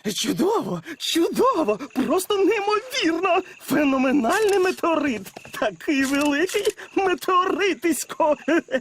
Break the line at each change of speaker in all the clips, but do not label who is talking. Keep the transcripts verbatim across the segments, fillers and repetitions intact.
Чудово, чудово, просто неймовірно. Феноменальний метеорит. Такий великий метеоритисько.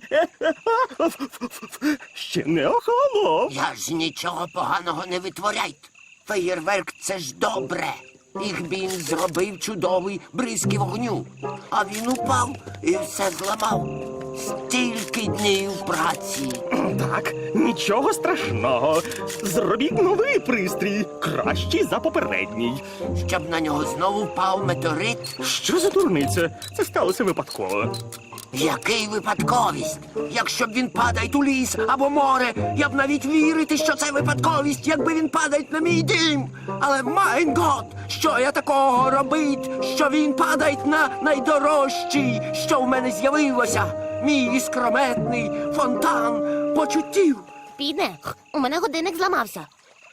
Ще не охолонув.
Я ж нічого поганого не витворяйте. Феєрверк – це ж добре. Їх він зробив чудовий бризки вогню. А він упав і все зламав. Стільки днів праці.
Так, нічого страшного. Зробіть новий пристрій, кращий за попередній.
Щоб на нього знову впав метеорит.
Що за дурниця? Це сталося випадково.
Який випадковість? Якщо б він падає у ліс або море, я б навіть вірити, що це випадковість, якби він падає на мій дім. Але, майн гот, що я такого робить, що він падає на найдорожчий, що в мене з'явилося? Мій іскрометний фонтан почуттів.
Піде, у мене годинник зламався.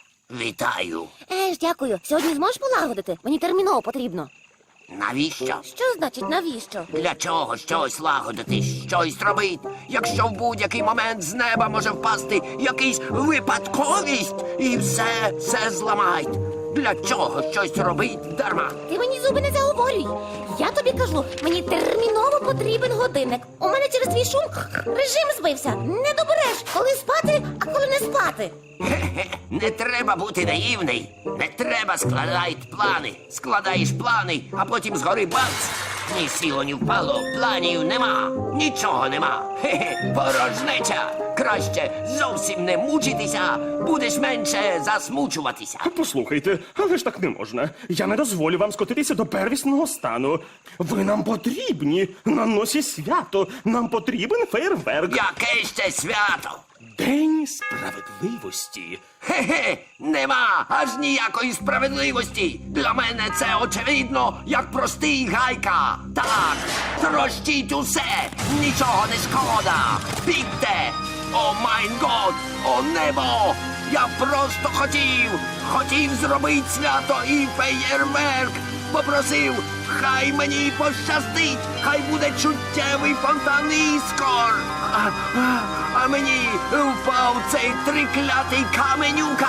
Вітаю.
Еж, дякую. Сьогодні зможеш полагодити? Мені терміново потрібно.
Навіщо?
Що значить навіщо?
Для чого щось лагодити, щось робити, якщо в будь-який момент з неба може впасти якийсь випадковість і все, все зламають? Для чого щось робить дарма?
Ти мені зуби не заговорюй. Я тобі кажу, мені терміново потрібен годинник. У мене через твій шум режим збився. Не добереш, коли спати, а коли не спати.
Хе-хе, не треба бути наївний. Не треба складати плани. Складаєш плани, а потім згори бац. Ні сіло, ні впало, планів нема, нічого нема. Хе-хе, порожнеча. Краще зовсім не мучитися, будеш менше засмучуватися.
Послухайте, але ж так не можна. Я не дозволю вам скотитися до первісного стану. Ви нам потрібні. На носі свято. Нам потрібен фейерверк.
Яке ще свято?
День справедливості.
Хе-хе, нема аж ніякої справедливості. Для мене це очевидно, як простий гайка. Так, трощіть усе, нічого не шкода. Бігте! О майн год, о небо! Я просто хотів, хотів зробити свято і феєрверк. Попросив, хай мені пощастить, хай буде чуттєвий фонтан іскор. А, а, а мені впав цей триклятий каменюка.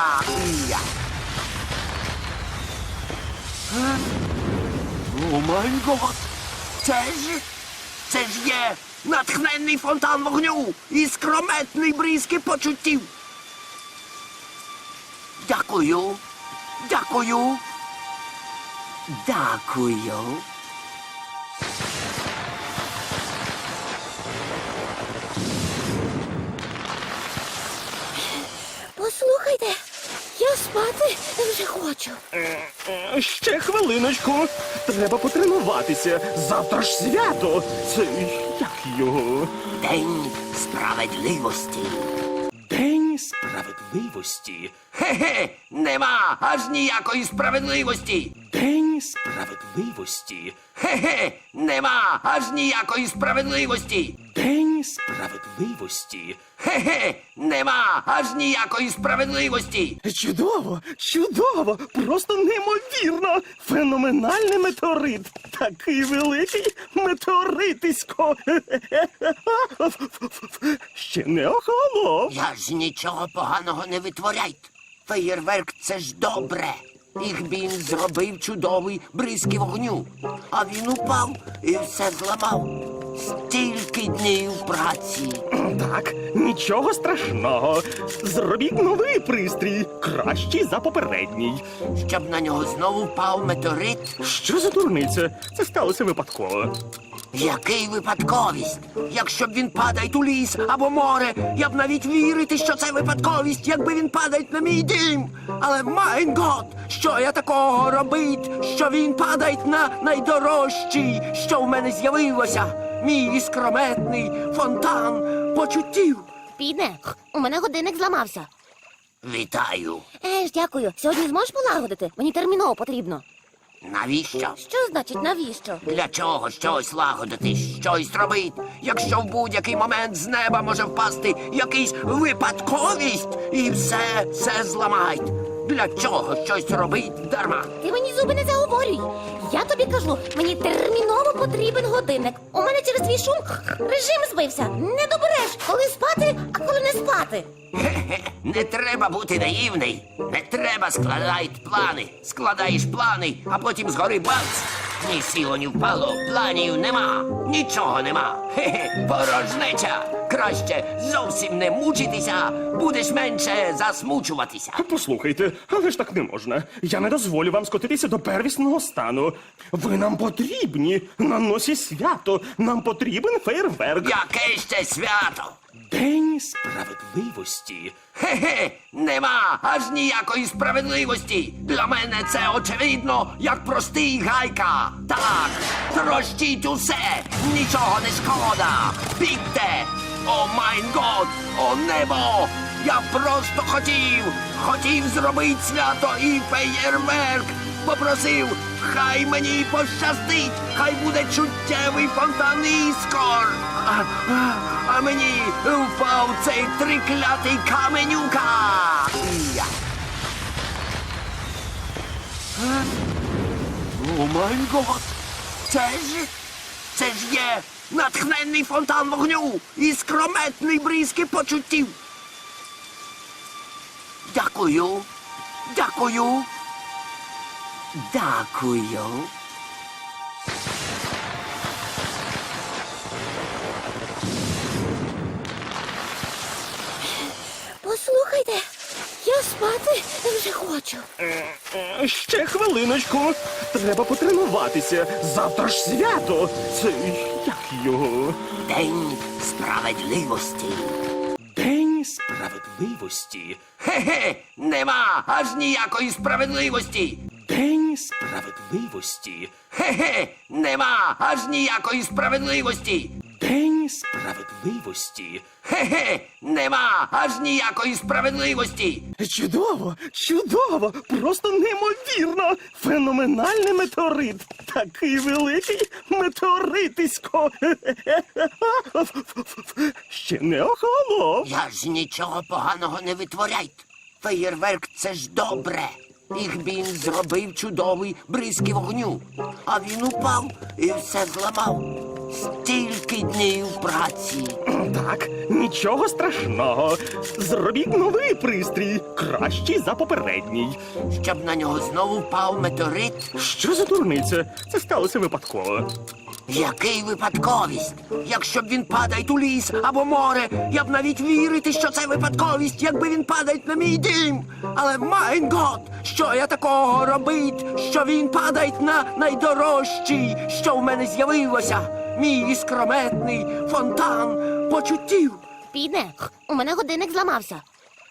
Я. А? О май гот! Це ж, це ж є натхненний фонтан вогню і скрометний бризки почуттів. Дякую, дякую. Дякую.
Послухайте, я спати вже хочу.
Е, Ще хвилиночку. Треба потренуватися. Завтра ж свято. Це як його?
День справедливості.
День справедливості.
Хе-хе, нема аж ніякої справедливості.
День справедливості.
Хе-хе, нема аж ніякої справедливості.
День справедливості.
Хе-хе, нема аж ніякої справедливості.
Чудово, чудово, просто неймовірно. Феноменальний метеорит. Такий великий метеоритисько. Ще не охолонув.
Я ж нічого поганого не витворяйте. Феєрверк – це ж добре. Їх він зробив чудовий бризки вогню. А він упав і все зламав. Стільки днів праці.
Так, нічого страшного. Зробіть новий пристрій, кращий за попередній.
Щоб на нього знову впав метеорит.
Що за дурниця? Це сталося випадково.
Який випадковість? Якщо б він падає у ліс або море, я б навіть вірити, що це випадковість, якби він падає на мій дім. Але, майн гот, що я такого робить, що він падає на найдорожчий, що в мене з'явилося? Мій іскрометний фонтан почуттів.
Піде, у мене годинник зламався.
Вітаю.
Еж, дякую. Сьогодні зможеш полагодити? Мені терміново потрібно.
Навіщо?
Що значить навіщо?
Для чого щось лагодити, щось робити, якщо в будь-який момент з неба може впасти якийсь випадковість і все, все зламають? Для чого щось робить дарма?
Ти мені зуби не заговорюй. Я тобі кажу, мені терміново потрібен годинник. У мене через твій шум режим збився. Не добереш, коли спати, а коли не спати. спати.
Хе-хе, не треба бути наївний. Не треба складати плани. Складаєш плани, а потім згори бац. Ні сіло, ні впало, планів нема, нічого нема. Хе-хе, порожнеча. Краще зовсім не мучитися, будеш менше засмучуватися.
Послухайте, але ж так не можна. Я не дозволю вам скотитися до первісного стану. Ви нам потрібні на носі свято. Нам потрібен фейерверк.
Яке ще свято?
День справедливості.
Хе-хе, нема аж ніякої справедливості. Для мене це очевидно, як простий гайка. Так, трощіть усе, нічого не шкода. Бігте! О майн год, о небо! Я просто хотів, хотів зробити свято і феєрверк. Попросив, хай мені пощастить, хай буде чуттєвий фонтан іскор. А, а, а мені впав цей триклятий каменюка. Я. Е? О май гот! Це ж, це ж є натхненний фонтан вогню і скрометний бризки почуттів. Дякую, дякую. Дякую.
Послухайте, я спати вже хочу.
Е, Ще хвилиночку. Треба потренуватися. Завтра ж свято. Це як його?
День справедливості.
День справедливості.
Хе-хе, нема аж ніякої справедливості.
День справедливості.
Хе-хе, нема аж ніякої справедливості.
День справедливості.
Хе-хе, нема аж ніякої справедливості.
Чудово, чудово, просто неймовірно. Феноменальний метеорит. Такий великий метеоритисько. Ще не охолонув.
Я ж нічого поганого не витворяйте. Феєрверк — це ж добре. Їх він зробив чудовий бризки вогню. А він упав і все зламав. Стільки днів праці.
Так, нічого страшного. Зробіть новий пристрій, кращий за попередній.
Щоб на нього знову впав метеорит.
Що за дурниця? Це сталося випадково.
Який випадковість? Якщо б він падає у ліс або море, я б навіть вірити, що це випадковість, якби він падає на мій дім. Але майн гот, що я такого робить, що він падає на найдорожчий, що в мене з'явилося. Мій іскрометний фонтан почуттів.
Підне, у мене годинник зламався.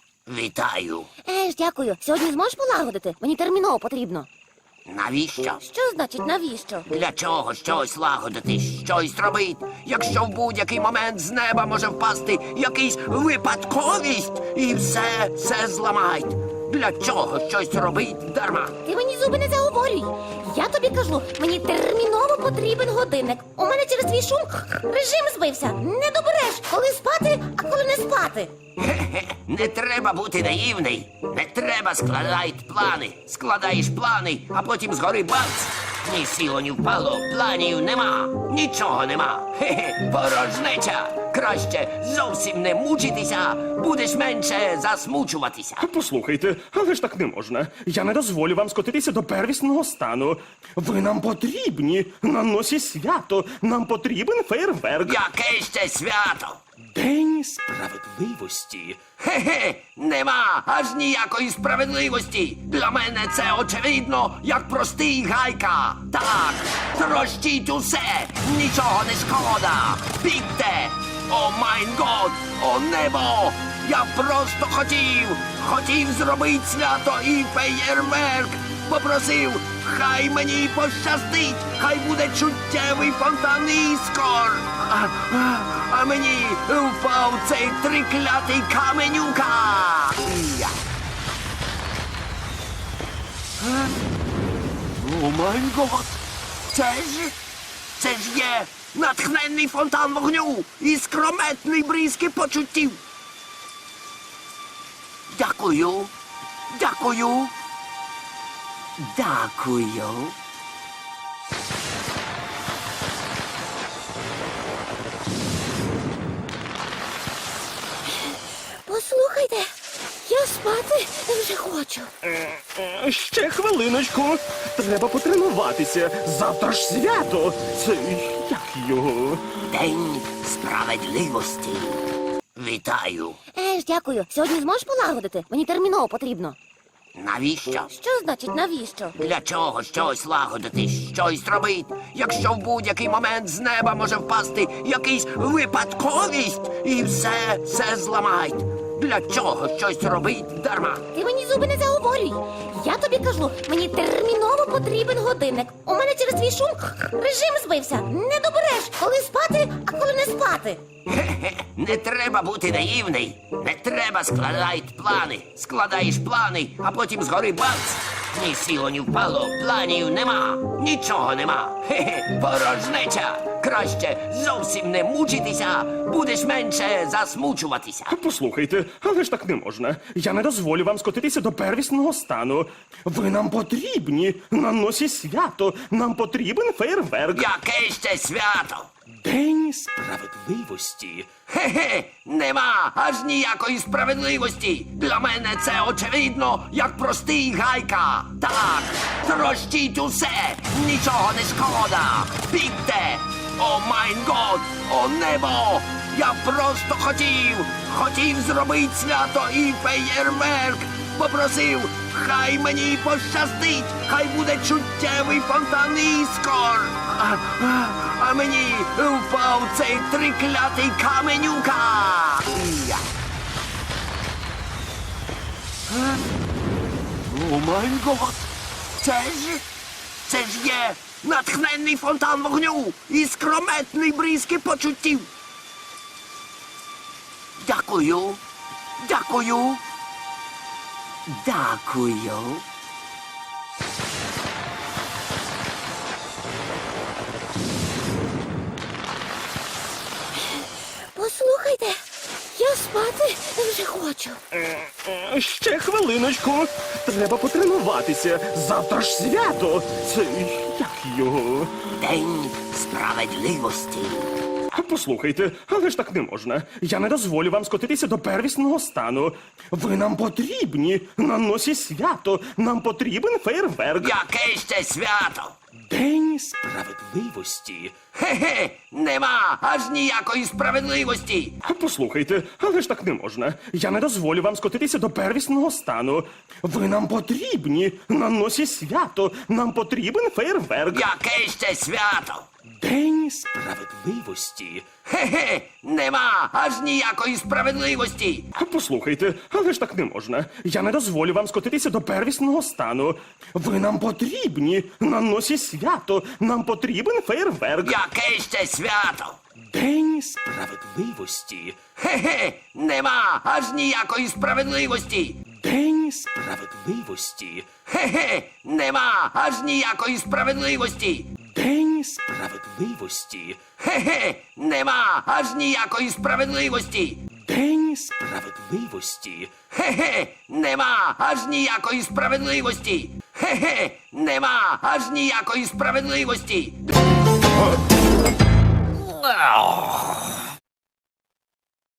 Вітаю.
Еж, дякую. Сьогодні зможеш полагодити? Мені терміново потрібно.
Навіщо?
Що значить навіщо?
Для чого щось лагодити, щось робити, якщо в будь-який момент з неба може впасти якийсь випадковість і все, все зламають. Для чого щось робить дарма?
Ти мені зуби не заговорюй. Я тобі кажу, мені терміново потрібен годинник. У мене через твій шум режим збився. Не добереш, коли спати, а коли не спати.
Хе-хе, не треба бути наївний. Не треба складати плани. Складаєш плани, а потім згори бац. Ні сіло, ні впало, планів нема, нічого нема. Хе-хе, порожнеча. Краще зовсім не мучитися, будеш менше засмучуватися.
Послухайте, але ж так не можна. Я не дозволю вам скотитися до первісного стану. Ви нам потрібні на носі свято. Нам потрібен фейерверк.
Яке ще свято?
День справедливості.
Хе-хе, нема аж ніякої справедливості. Для мене це очевидно, як простий гайка. Так, трощіть усе, нічого не шкода. Бігте! О майн год, о небо! Я просто хотів, хотів зробити свято і феєрверк. Попросив, хай мені пощастить, хай буде чуттєвий фонтан іскор. А, а, а мені впав цей триклятий каменюка. Я. Е? О май гот! Це ж, це ж є натхненний фонтан вогню і скрометний бризки почуттів. Дякую, дякую. Дякую.
Послухайте, я спати вже хочу.
Е, Ще хвилиночку. Треба потренуватися. Завтра ж свято. Це як його?
День справедливості. Вітаю.
Еж, дякую. Сьогодні зможеш полагодити? Мені терміново потрібно.
Навіщо?
Що значить навіщо?
Для чого щось лагодити, щось робити, якщо в будь-який момент з неба може впасти якийсь випадковість і все, все зламають. Для чого щось робить дарма?
Ти мені зуби не заговорюй. Я тобі кажу, мені терміново потрібен годинник. У мене через твій шум режим збився. Не добереш, коли спати, а коли не спати.
Хе-хе, не треба бути наївний. Не треба складати плани. Складаєш плани, а потім згори бац. Ні сіло, ні впало, планів нема, нічого нема. Хе-хе, порожнеча. Краще зовсім не мучитися, будеш менше засмучуватися.
Послухайте, але ж так не можна. Я не дозволю вам скотитися до первісного стану. Ви нам потрібні. На носі свято. Нам потрібен фейерверк.
Яке ще свято?
День справедливості.
Хе-хе, нема аж ніякої справедливості. Для мене це очевидно, як простий гайка. Так, трощіть усе, нічого не шкода. Бігте! О майн год, о небо! Я просто хотів, хотів зробити свято і феєрверк. Попросив, хай мені пощастить, хай буде чуттєвий фонтан іскор. А, а, а мені впав цей триклятий каменюка. Я. Е? О май гот! Це ж, це ж є натхненний фонтан вогню і скрометний бризки почуттів. Дякую, дякую, дякую.
Послухайте, я спати вже хочу.
Е, Ще хвилиночку. Треба потренуватися. Завтра ж свято. Це як його?
День справедливості.
Послухайте, але ж так не можна. Я не дозволю вам скотитися до первісного стану. Ви нам потрібні. На носі свято. Нам потрібен фейерверк.
Яке ще свято?
День справедливості.
Хе-хе, нема аж ніякої справедливості.
Послухайте, але ж так не можна. Я не дозволю вам скотитися до первісного стану. Ви нам потрібні. На носі свято. Нам потрібен фейерверк.
Яке ще свято?
День справедливості.
Хе-хе, нема аж ніякої справедливості.
Послухайте, але ж так не можна. Я не дозволю вам скотитися до первісного стану. Ви нам потрібні. На носі свято. Нам потрібен фейерверк.
Яке ще свято?
День справедливості.
Хе-хе, нема аж ніякої справедливості.
День справедливості.
Хе-хе, нема аж ніякої справедливості.
День справедливості.
Хе-хе, нема аж ніякої справедливості.
День справедливості.
Хе-хе, нема аж ніякої справедливості. Хе-хе, нема аж ніякої справедливості.